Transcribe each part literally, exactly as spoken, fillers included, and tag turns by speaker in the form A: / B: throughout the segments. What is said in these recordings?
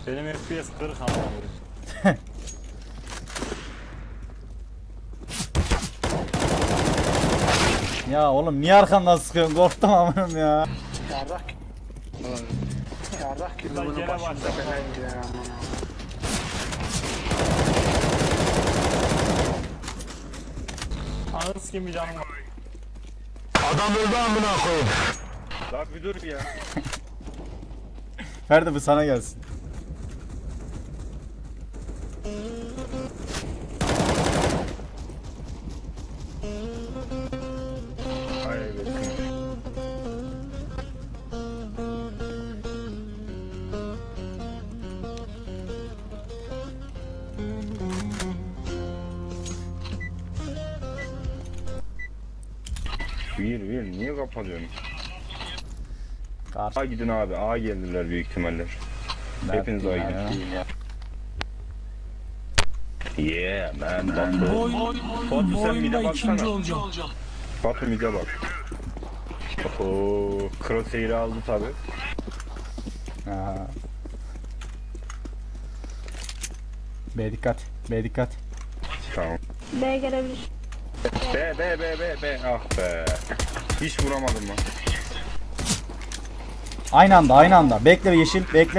A: Benim F P S kırık ama.
B: Ya oğlum niye arkamdan sıkıyorsun? Korktum amınım ya.
C: Yarrak. Yarrak gibi
A: Lan
C: bunu
A: gene
C: başımıza
A: başladı.
C: bela indiriyor aman.
A: Anız gibi canım var.
D: Adam öldü amına koyayım.
A: Lan bir dur ya.
B: Ferdi bu sana gelsin.
A: Hayır bekle.
E: Bir bir niye kapatıyorsun?
B: Karşı.
E: A gidin abi, A geldiler büyük ihtimaller. Hepiniz A
B: ya.
E: gidin. Yeah man, Batu.
D: Boy,
E: Batu
D: bu
E: sen bir de
D: oyunda ikinci
E: baksana.
D: olacağım.
E: Batu bir de bak. Ooo, Crosshair'i aldı tabi.
B: Ha. B dikkat. B dikkat.
E: Tamam.
F: B gelebilir.
E: B, B, B, B, B. Ah be. Hiç vuramadım lan.
B: Aynı anda aynı anda. Bekle yeşil bekle.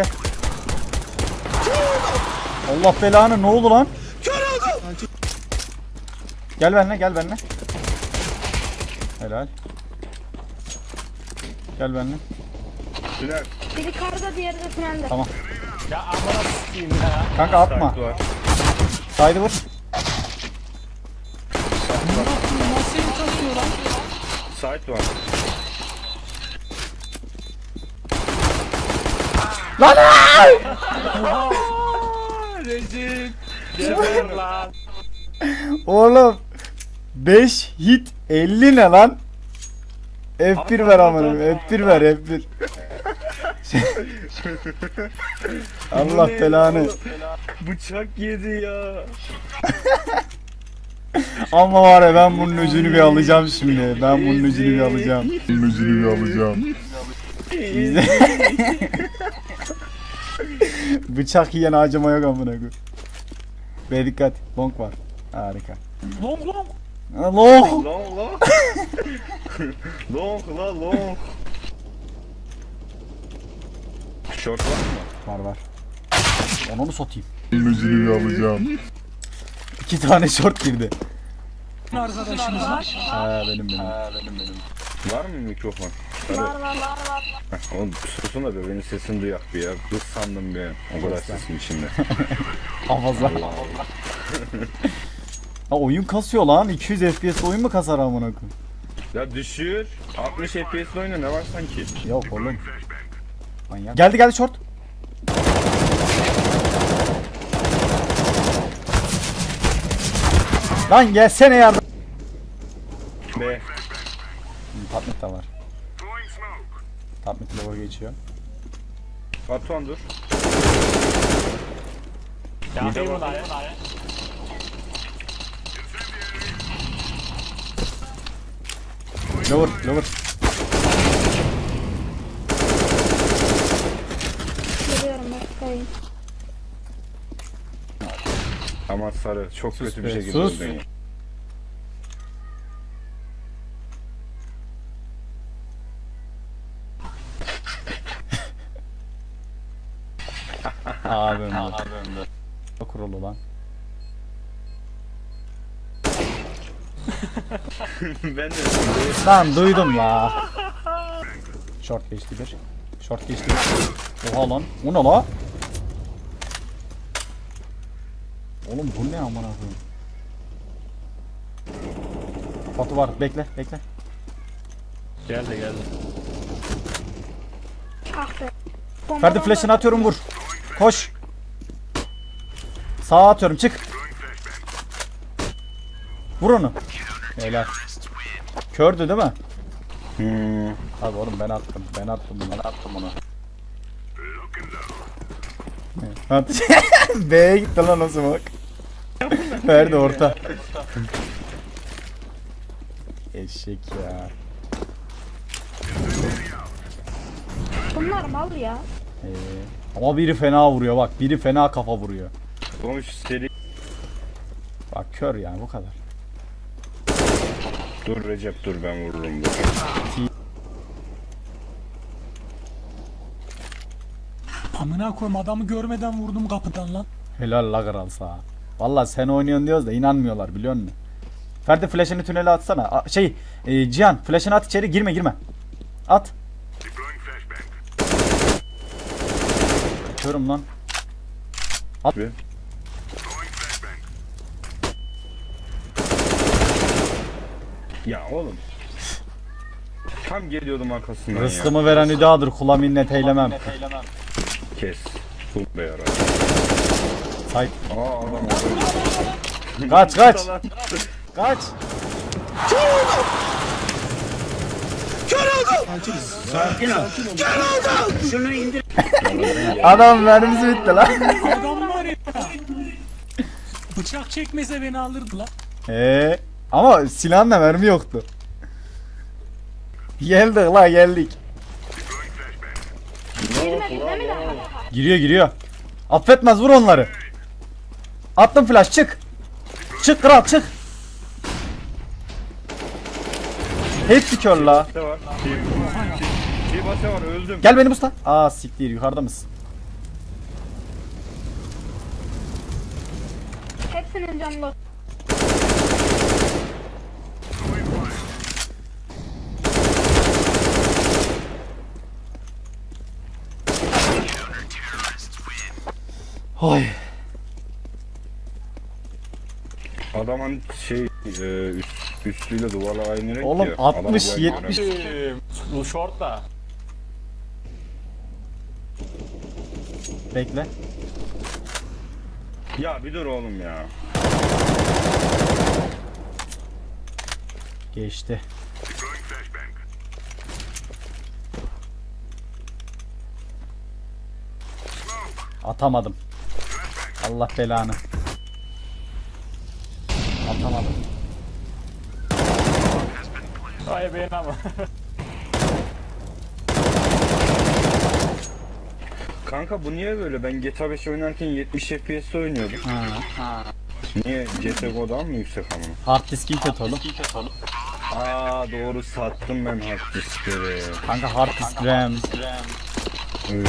B: Allah belanı ne oldu lan? Gel benimle gel benimle. Helal. Gel benimle.
E: Tünel.
F: Biri karda, diğeri de tünelde.
B: Tamam.
A: Ya amına s**eyim ya.
B: Kanka atma.
E: Site var.
B: Saydı vur.
D: Nasıl kasıyor lan?
E: Site var.
B: Lan!
A: Rezil. Geber lan.
B: Oğlum beş hit elli ne lan? F bir ver amanım. F bir ver F bir. Allah belanı.
E: Bıçak yedi ya.
B: Ama var ya ben bunun öcünü bir alacağım şimdi. Ben bunun öcünü bir alacağım. Bunun öcünü bir alacağım. Bıçak yiyen acıma yok amına koyayım. Be dikkat. Long var. Harika.
A: Long long.
B: Ha, long.
E: Long long. Long la long. Short var mı?
B: Var var. Onu mu satayım?
G: Bunun öcünü bir alacağım.
B: İki tane short girdi.
D: Arkadaşımız var.
B: Ha benim benim.
E: Var mı mikrofon?
F: Var var var var.
E: Heh, oğlum susun da be benim sesimi duyak bir ya. Kız sandım bir. O kadar sesim içinde.
B: Hafıza. Ha oyun kasıyor lan. iki yüz F P S oyun mu kasar amına koyayım?
E: Ya düşür. altmış F P S'li oyunu ne var sanki?
B: Yok oğlum. Manyak. Geldi geldi short. Lan gelsene yardım.
E: B.
B: Tatmit de var. Tatmit lower geçiyor.
E: Batuhan dur.
A: Yakayım mı dayı?
B: Lower lower.
F: Geliyorum bakayım.
E: Ama sarı çok kötü bir
B: be,
E: şekilde
B: sus.
E: öldün ya.
B: Abim de. Abim de. Kurulu lan.
E: Ben de
B: Lan duydum la. Short geçti bir. Short geçti bir. Oha lan. O ne la? Oğlum bu ne amına koyayım? Batu var. Bekle, bekle.
A: Geldi geldi.
F: Ah be.
B: Ferdi flash'ını atıyorum vur. Koş. Sağa atıyorum çık. Vur onu. Helal. Kördü değil mi?
E: Hmm.
B: Abi oğlum ben attım. Ben attım bunu. Ben attım bunu. At. B'ye gitti lan o smoke. Ferdi orta. Eşek ya.
F: Bunlar mal ya.
B: Ee, Ama biri fena vuruyor bak. Biri fena kafa vuruyor.
E: Oğlum şu seri...
B: Bak kör yani bu kadar.
E: Dur Recep dur ben vururum dur.
D: Amına koyayım adamı görmeden vurdum kapıdan lan.
B: Helal la kral sağ. Valla sen oynuyorsun diyoruz da inanmıyorlar biliyor musun? Ferdi flash'ını tünele atsana. A- şey e, Cihan flash'ını at içeri girme girme. At. Körüm lan.
E: Bir. Ya oğlum. Tam geliyordum arkasından ya.
B: Rızkımı veren hüdadır kula minnet eylemem.
E: Kes. Kul be yara.
B: Say.
E: Aa adam orada.
B: Kaç kaç. Kaç. Adam mermisi bitti lan.
D: Adam var ya. Bıçak çekmese beni alırdı lan.
B: Ee, ama silahla mermi yoktu. Geldik la geldik.
F: Girmedi değil mi daha?
B: Giriyor giriyor. Affetmez vur onları. Attım flash çık. Çık kral çık. Hepsi kör la.
E: Ne var? Bir basa var öldüm.
B: Gel benim usta. Aa siktir yukarıda mısın?
F: Hepsinin canlı.
B: Oy.
E: Adamın şey e, üst, üstüyle duvarla aynı renk
B: Oğlum
E: ya.
B: altmış,
E: Adam
B: yetmiş.
A: Ee, Bu short da.
B: Bekle.
E: Ya bir dur oğlum ya.
B: Geçti. Atamadım. Allah belanı. Atamadım.
A: Ay beğen ama.
E: Kanka bu niye böyle? Ben G T A beş oynarken yetmiş F P S oynuyordum. Niye? C S G O'dan mı yüksek amına?
B: Hard diskin kötü oğlum.
E: Aa doğru sattım ben hard diskleri.
B: Kanka hard disk RAM.
E: Evet.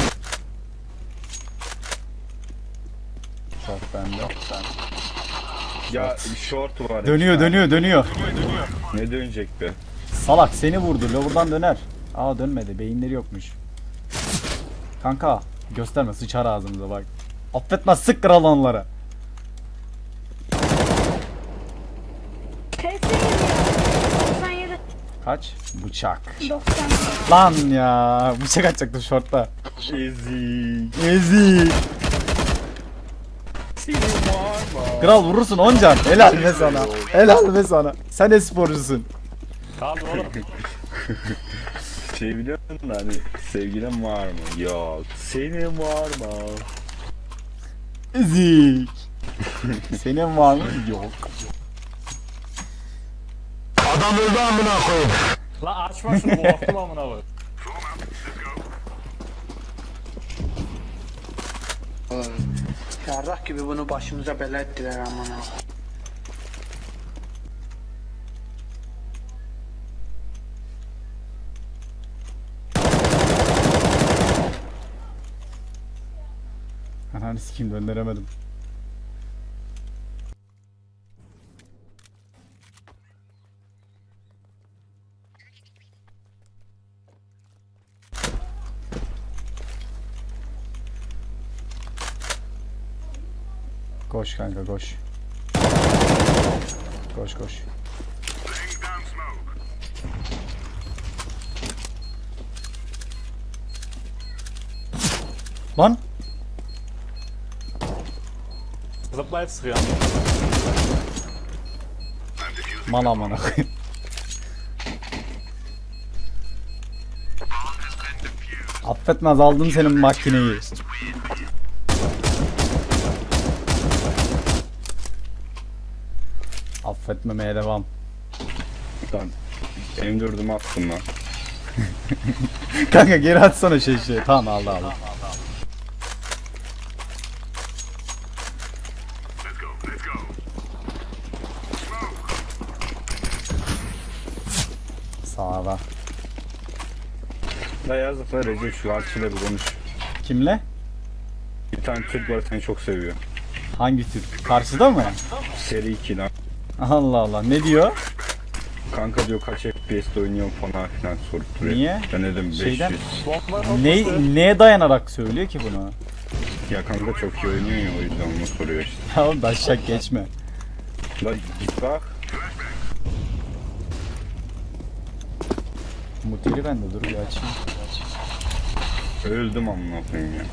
B: Çok bende.
E: Ya short var.
B: Dönüyor
E: ya.
B: dönüyor dönüyor.
E: Ne dönecek be?
B: Salak seni vurdu. Lower'dan döner. Aa dönmedi. Beyinleri yokmuş. Kanka gösterme sıçar ağzımıza bak. Affetmez sık kral onlara.
F: Hepsi geliyor. doksan yedi.
B: Kaç? Bıçak.
F: doksan.
B: Lan ya. Bıçak atacaktım shortta.
E: Ezik.
B: Ezik.
E: Senin var mı?
B: Kral vurursun oncan. Helal be sana. Helal be sana. Sen esporcusun.
A: Kaldı oğlum.
E: Şey biliyor musun hani sevgilin var mı? Yok. Senin var mı?
B: Ezik. Senin var mı? Yok.
D: Adam öldü amına koyayım.
A: La açma şunu korktum amına koy.
C: Yarrak gibi bunu başımıza bela ettiler amına.
B: Ananı sikeyim döndüremedim. Koş kanka koş. Koş koş. Lan
A: Zıplayıp sıkıyor.
B: mal amına koyayım. Affetmez aldım senin makineyi. Affetmemeye devam.
E: Lan M dördümü attım lan.
B: Kanka geri atsana şey şey. Tamam aldı aldı. Sağda.
E: Da yazık da Recep şu Arçıyla bir konuş.
B: Kimle?
E: Bir tane Türk var seni çok seviyor.
B: Hangi Türk? Karşıda mı?
E: Seri iki lan.
B: Allah Allah. Ne diyor?
E: Kanka diyor kaç F P S'te oynuyorum falan filan sorup duruyor.
B: Niye?
E: Ben dedim beş yüz.
B: Şeyden-
A: Bomba
B: Ne, neye dayanarak söylüyor ki bunu?
E: Ya kanka çok iyi oynuyor ya o yüzden onu soruyor işte.
B: Ya oğlum daşşak geçme.
E: La git bak.
B: Muteli bende dur bir açayım.
E: Öldüm amına koyayım ya.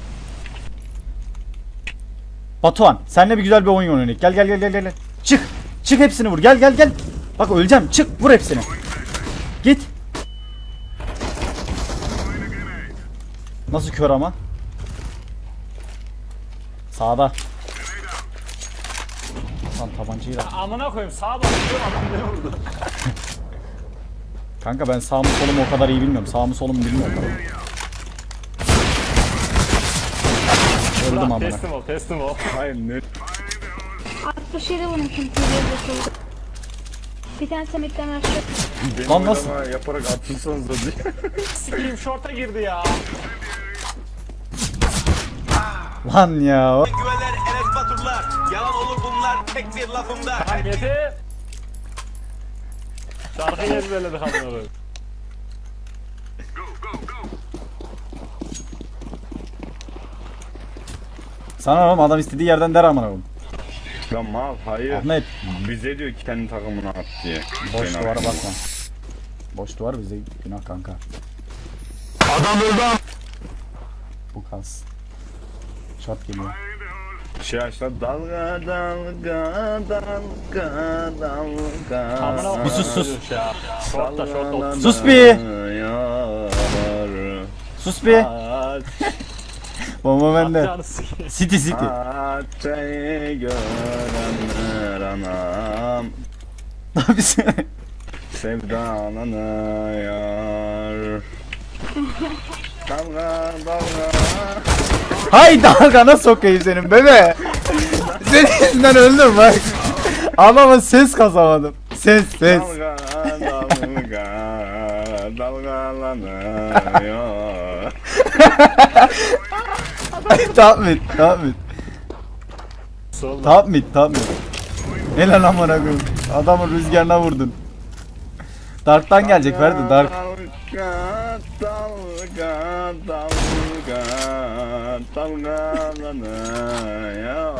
B: Batuhan senle bir güzel bir oyun oynayalım. Gel gel gel gel gel. Çık. Çık hepsini vur. Gel gel gel. Bak öleceğim. Çık vur hepsini. Git. Nasıl kör ama? Sağda. Lan tabancayı da.
A: Amına koyayım sağa bakıyorum adam beni vurdu.
B: Kanka ben sağımı solumu o kadar iyi bilmiyorum. Sağımı solumu bilmiyorum. Öldüm
A: Lan
B: amına.
A: teslim ol teslim ol.
E: Hayır ne?
F: altmış yedi vurmuşum T V'de. Bir tane semitten aşağı.
E: Benim
B: Lan nasıl?
E: oynama yaparak atılsanız da diye.
A: Sikiyim şorta girdi ya.
B: Lan ya.
H: Güveler, evet faturlar. Yalan olur bunlar tek bir lafımda.
A: Tamam yeter. Şarkıyı ezberledik amına koyayım.
B: Sana oğlum adam istediği yerden der amına koyayım.
E: Lan mal hayır.
B: Ahmet
E: Bize diyor ki kendi takımına at diye.
B: boş
E: Fena.
B: duvara bakma. Boş duvar bize günah kanka.
H: Adam öldü.
B: Bu kalsın. Shot geliyor.
E: Şey açlar dalga dalga dalga dalga.
A: Amına koyayım.
B: Bir sus, sus.
A: Ya. Şorta şorta.
B: Sus bir. Sus bir. Bomba bende.
A: Canı sikeyim.
B: City City.
E: Ateşi görenler anam.
B: Ne yapıyorsun?
E: Sevdalanıyor. Dalga dalga.
B: Hay dalgana sokayım senin bebe. Senin yüzünden öldüm bak. Ama ses kasamadım. Ses ses.
E: Dalga dalga dalgalanıyor.
B: Tamam et, tamam et.
A: Solda.
B: Tamam et, tamam et. Ne lan amına koyayım. Adamın rüzgarına vurdun. Dark'tan gelecek verdi Dark.
E: Dalga dalga dalga dalgalanıyor.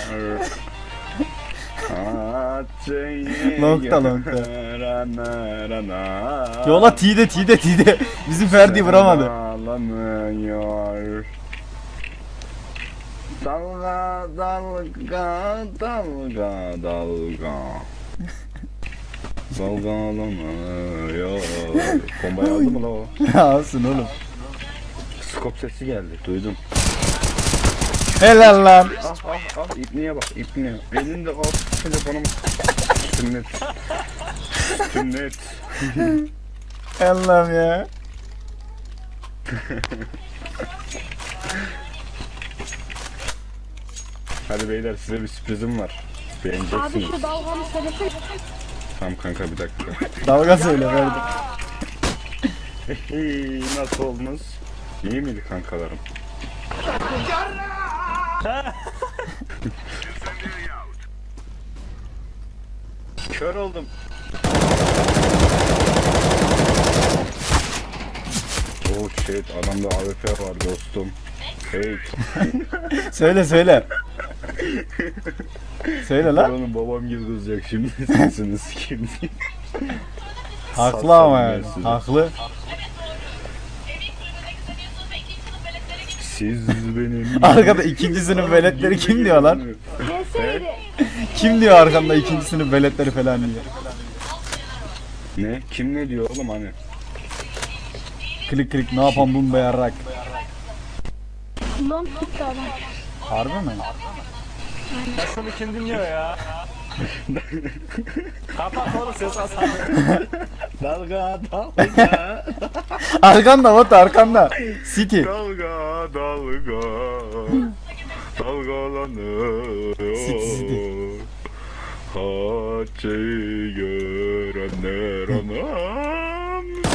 E: Ateşi
B: Longta, longta.
E: görenler anam.
B: Yola T'de T'de T'de. Bizim Ferdi vuramadı.
E: Sevdalanıyor. Dalga dalga dalga dalga. Dalgalanıyor. Bombayı aldı mı la o?
B: Alsın oğlum.
E: Skop sesi geldi, duydum.
B: Helal lan.
E: Ah ah ah, ipniye bak, ipniye. Elinde al, telefonumu. Sünnet. Sünnet.
B: Allah'ım ya.
E: Hadi beyler size bir sürprizim var.
F: Abi
E: Beğeneceksiniz.
F: şu dalgamı söylesene.
E: Tamam kanka bir dakika.
B: Dalga söyle Ferdi.
E: Hey, nasıl oldunuz? İyi miydi kankalarım? Kör oldum. Oh shit, adamda A W P var dostum. Hey,
B: Söyle söyle. Söyle lan.
E: onun babam gibi kızacak şimdi sesini sikeyim.
B: Haklı ama yani.
E: Satsam ben
B: Haklı.
E: Siz benim...
B: Arkada ikinci sınıf veletleri kim diyor lan?
F: Gelseydi.
B: Kim diyor arkamda ikinci sınıf veletleri falan diyor.
E: Ne? Kim ne diyor oğlum hani?
B: Klik klik ne yapan bum be yarrak.
F: Long gitti adam.
B: Harbi mi?
A: Ya şunu kim dinliyor ya? Kapat oğlum ses asan.
E: Dalga dalga
B: Arkanda Batu arkanda. City.
E: dalga dalga dalgalanıyor. Haçı görenler anam.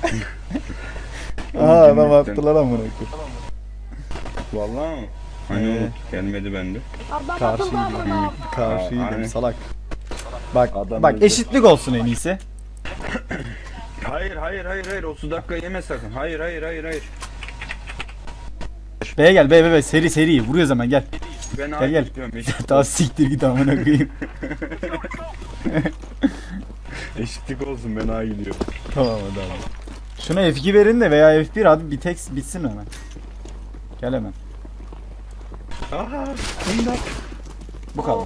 B: Aa adam
E: Cennetten.
B: attılar amına koyayım.
E: Vallahi mi? Hani
B: Ee.
E: oğlum, gelmedi bende.
F: Adam atıldı amına.
B: Karşıydım. Karşıydım
E: Aynen.
B: salak. Bak
E: Adam
B: bak
E: öldü.
B: eşitlik olsun en iyisi.
E: Hayır hayır hayır hayır otuz dakika yeme sakın. Hayır hayır hayır hayır.
B: B'ye gel B B B seri seri vuruyoruz hemen gel.
E: Ben
B: Gel,
E: gel
B: gel.
E: gel. Eşit,
B: Daha siktir git amına koyayım.
E: eşitlik olsun ben A gidiyorum.
B: Tamam hadi abi. Şuna F iki verin de veya F bir hadi bir tek bitsin hemen. Gel hemen.
E: Aha imdat.
B: Bu kadar.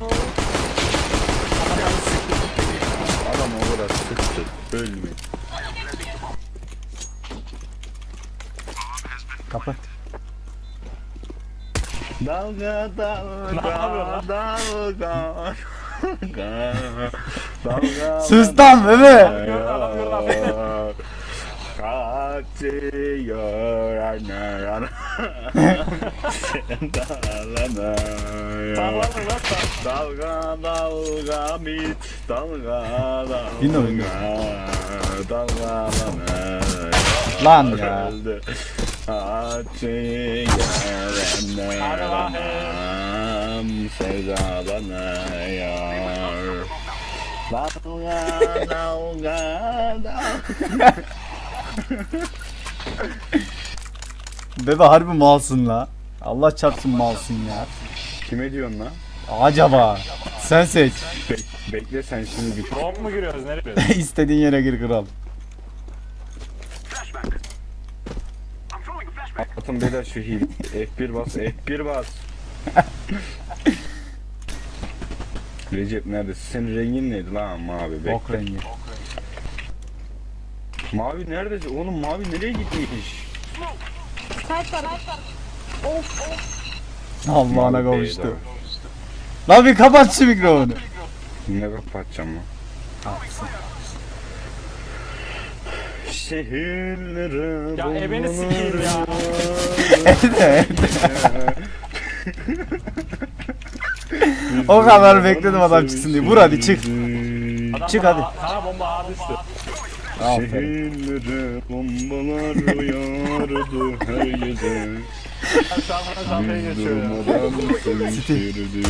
E: Adam o kadar sıktı. Ölmüyor.
B: Kapı.
E: Dalga dalga
A: Ne yapıyorsun
E: dalga dalga dalga.
B: Sus lan bebe.
E: Kaçıyor ana ana. Sen dalana.
A: Sağlandın lan sen.
E: Dalga dalga mit dalga
B: Yine
E: dalga
B: oynuyor.
E: dalgalana.
B: Lan ya.
E: Öldü. Açı yarenlerim sevdalanıyor. Dalga dalga dalga.
B: Bebe harbi malsın la. Allah çarpsın malsın ya.
E: Kime diyorsun lan?
B: Acaba sen seç.
E: Bek- bekle sen şimdi bir
A: Drop mu giriyoruz? Nereye giriyoruz?
B: İstediğin yere gir kral.
E: atın beyler şu hil. F bir bas F bir bas. Recep neredesin? Senin rengin neydi lan mavi? Bekle.
B: Ok rengi.
E: Mavi neredesin? Oğlum mavi nereye gitmiş?
F: Kaç var kaç var. Of of.
B: Allah'ına
E: Mavi
B: kavuştu.
E: B'de.
B: Lan bir kapat şu mikrofonu.
E: Ne kapatacağım lan? Şehirlere
A: Ya ebeni sikeyim ya.
B: Evde evde. O kadar bekledim adam çıksın diye. Vur hadi çık.
A: Adam
B: Çık
A: bana-
B: hadi.
A: Sana bomba ağa düştü.
B: Aferin.
E: Şehirlere bombalar uyardı her gece.
A: Ben şu an bana şampaya geçiyor ya.
E: Durmadan sevişirdik.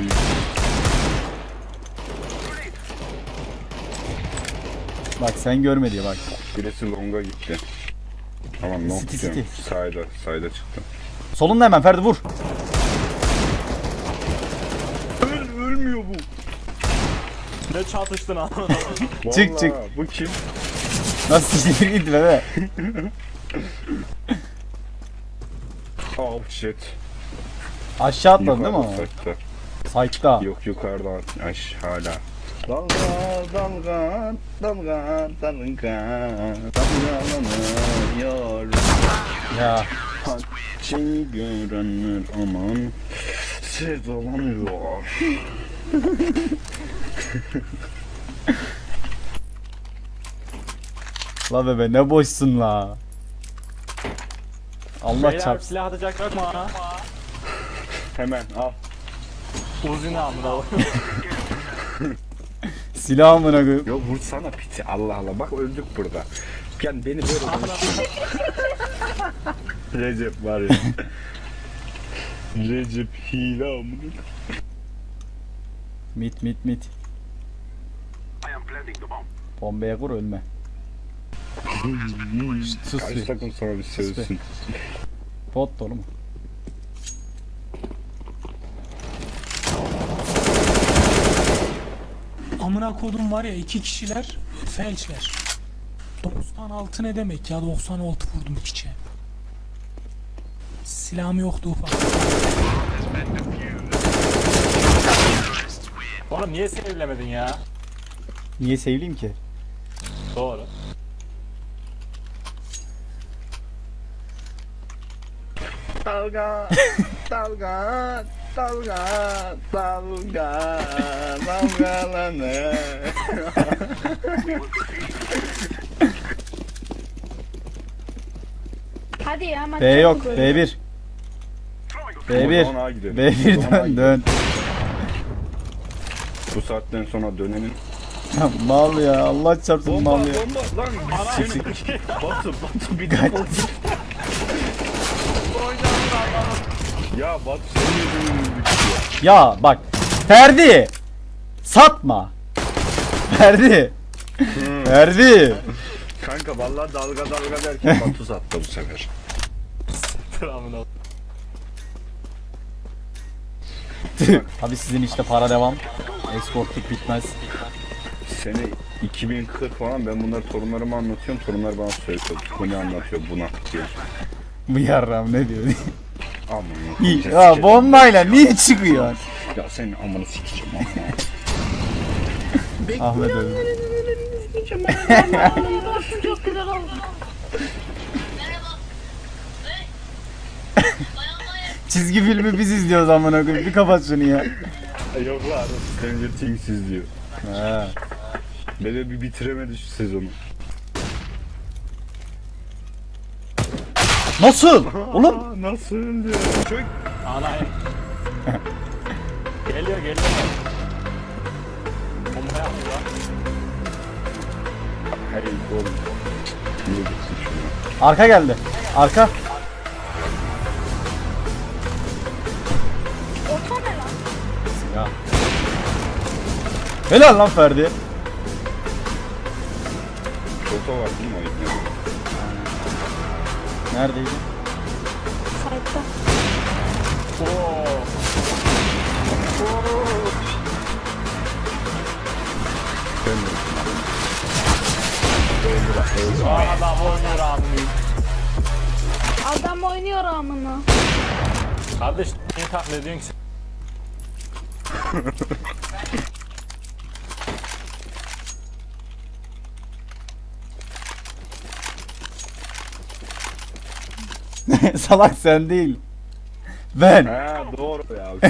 B: Bak sen görme diye bak.
E: Birisi longa gitti. Tamam long
B: City,
E: diyorum.
B: City.
E: Sayda, sayda çıktı.
B: Solunda hemen Ferdi vur.
E: Öl, ölmüyor bu.
A: Ne çatıştın ha.
B: Çık,
E: Vallahi,
B: çık.
E: Bu kim?
B: Nasıl siktir git bebe.
E: Oh shit.
B: Aşağı atladın değil mi ama?
E: Yukarıda,
B: Sayıkta.
E: yok yukarıdan. Aş hala. Dalga dalga dalga dalga dalgalanıyor.
B: Ya.
E: Şey görenler aman sevdalanıyor.
B: La bebe ne boşsun la. Allah
A: Beyler
B: çarpsın.
A: silah atacak yok mu ha?
E: Hemen al.
A: Uzun amına.
B: Silah amına koyayım.
E: Yo vursana piti Allah Allah bak öldük burada. Yani beni böyle konuşma. Recep var ya. Recep hile amına.
B: Mit mit mit. Bombaya kur ölme. Şşt, sus
E: Kaç
B: bir.
E: takım sonra bir sövsün.
B: Pot dolu mu?
D: Amına kodum var ya iki kişiler felçler. doksan altı ne demek ya, doksan altı vurdum piçe. Silahım yoktu ufak.
A: Oğlum niye sevlemedin ya?
B: Niye sevleyeyim ki?
A: Doğru.
E: Dalga dalga dalga dalga dalgalanır.
F: Hadi ya maç
B: B yok. B bir. B bir.
E: O zaman A gidelim.
B: B bir
E: O zaman A
B: dön
E: gidelim.
B: dön.
E: Bu saatten sonra dönenin
B: Mal ya, Allah çarpsın
E: Bomba
B: mal ya.
E: bomba lan biz seni Batu Batu bir de Ya Batu senin yüzünden öldük ya.
B: Ya bak, Ferdi! Satma! Ferdi! Ferdi!
E: Kanka vallahi dalga dalga derken Batu sattı bu sefer.
A: Amına.
B: Abi sizin işte para devam. Eskortluk bitmez.
E: Sene iki bin kırk falan ben bunları torunlarıma anlatıyorum. Torunlar bana söylüyor. Bu ne anlatıyor buna diyor.
B: Bu yarram ne diyor?
E: Aman
B: Ya bombayla niye çıkıyor?
E: Ya senin amanı sikeceğim ama.
B: Ahmet öldü.
F: Olsun, çok güzel oldu.
B: Çizgi filmi biz izliyoruz amına koyayım. Bir kapat şunu ya.
E: Yok lan. Stranger Things izliyor.
B: Ha.
E: Böyle bir bitiremedi şu sezonu.
B: Nasıl? Oğlum
E: Aa, nasıl öldü? Çok
A: Ana. Geliyor geliyor. Bomba yapıyor lan.
E: Hey oğlum. Niye gitsin şuna?
B: arka geldi. Arka.
F: Oto ne lan?
B: Ya. Helal lan Ferdi.
E: Foto var değil mi o ipne?
B: Neredeydi?
F: Sayıkta.
A: Oo.
E: Ben de.
A: Aa, adam oynuyor amına.
F: Adam oynuyor amına.
A: Kardeş niye taklit ediyorsun ki sen?
B: Salak sen değil. Ben.
E: Ha doğru ya.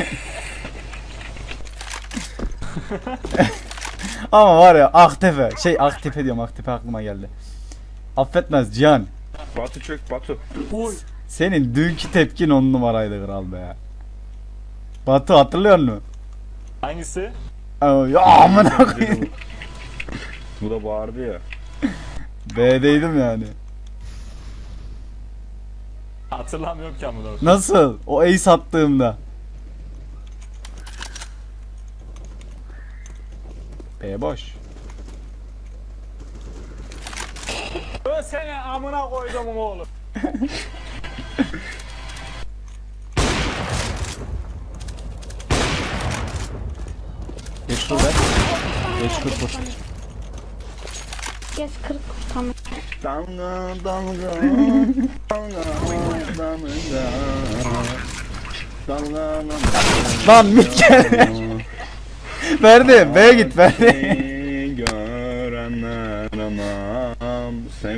B: Ama var ya Aktepe. Şey Aktepe diyorum, Aktepe aklıma geldi. Affetmez Cihan.
E: Batu çök Batu.
D: Oy.
B: Senin dünkü tepkin on numaraydı kral be. Batu hatırlıyor musun?
A: Hangisi?
B: Aa, ya amına koyayım.
E: Bu da bağırdı ya.
B: B'deydim yani.
A: Hatırlamıyorum ki amına.
B: Nasıl? O ace attığımda. B boş.
A: Ben seni amına koydum oğlum.
B: Geç şurada. Geç kırk vur.
F: Geç kırk. Tamam.
E: Dalga dalga dalga dalga dalga
B: Lan mit geldi. Verdi. B'ye git Verdi.
E: Seni görenler anam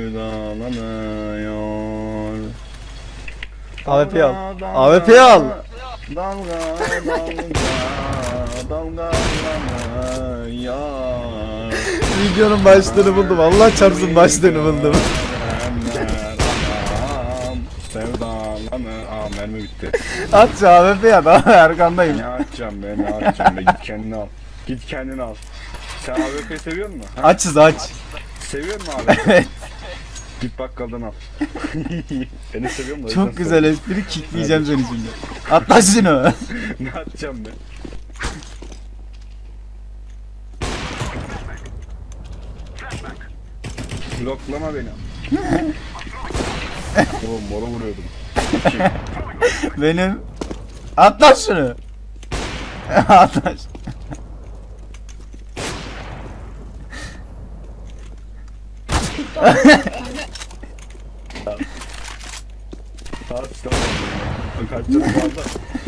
E: sevdalanıyor.
B: A W P al. A W P al.
E: Dalga dalga dalgalanıyor.
B: Videonun başlığını buldum. Allah çarpsın başlığını buldum.
E: Sevdalanı. Aa mermi bitti.
B: At şu A W P'yi at. Abi arkandayım.
E: Ne atacağım be ne atacağım be git kendini al. Git kendini al. Sen A W P seviyor musun? Ha?
B: Açız aç.
E: Seviyor musun A W P?
B: Evet.
E: Git bakkaldan al. Beni seviyor musun?
B: Çok güzel espri, kickleyeceğim seni şimdi. Atla şunu.
E: Ne atacağım be? Bloklama beni. Oğlum mola vuruyordum.
B: Benim. Atla şunu. Atla şunu.
E: Saat tamam. Kaç canım fazla.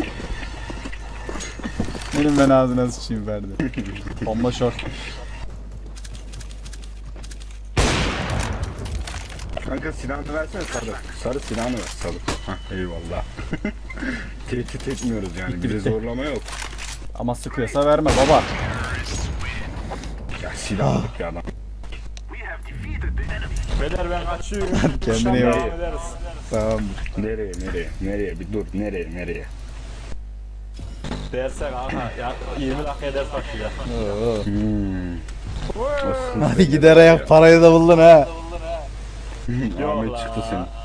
B: Benim ben ağzına sıçayım Ferdi. Bomba short.
E: Kanka silahını versene Sarı. Sarı silahını ver Sarı. Hah eyvallah. Tehdit etmiyoruz yani.
B: Bitti,
E: Bize
B: bitti.
E: zorlama yok.
B: Ama sıkıyorsa verme baba.
E: Ya silahlık bir adam.
A: Beyler ben kaçıyorum.
B: Kendine
A: Akşam
B: iyi bak.
A: devam ederiz.
B: Tamam.
E: Nereye nereye nereye bir dur nereye nereye.
A: Dersek aha ya yirmi dakikaya ders başlıyor.
B: Oo.
E: Hmm.
B: Hadi gider ayak parayı da buldun ha.
E: Ahmet çıktı senin.